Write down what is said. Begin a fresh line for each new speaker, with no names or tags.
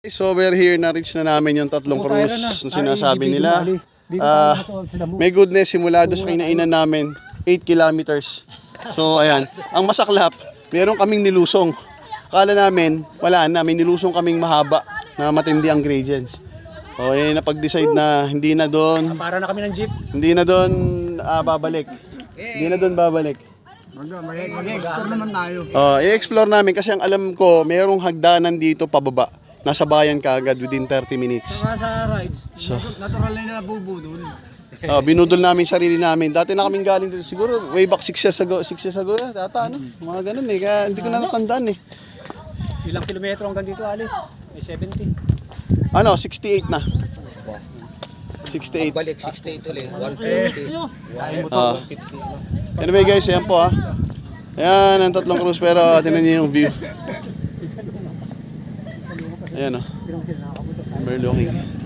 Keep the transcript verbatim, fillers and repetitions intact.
So we're here, na-reach na namin yung tatlong cruise na sinasabi nila. Uh, may goodness, simula doon sa kinainan namin, eight kilometers. So ayan, ang masaklap, meron kaming nilusong. Akala namin, wala na, may nilusong kaming mahaba na matindi ang gradients. O eh, napag-decide na hindi na doon.
Para na kami ng jeep.
Hindi na doon uh, babalik. Hindi na doon babalik.
Mag-explore naman tayo.
Oh, i-explore namin kasi ang alam ko, mayroong hagdanan dito pababa. Nasa bayan ka agad within thirty minutes.
Saka sa rides,
So,
natural na nabubo dun.
uh, binudol namin sarili namin. Dati na kaming galing dito. Siguro way back six years ago. six years ago na. Data ano. Mga ganun eh. Kaya hindi ko na natandaan eh.
Ilang kilometro hanggang dito, Ali? May seventy.
Ano, sixty-eight na. sixty-eight.
Balik sixty-eight ulit, one fifty.
Uh, anyway guys, ayan po ah. Ayan, ang tatlong cruise pero tingnan niyo yung view. Ayan oh. Overlooking.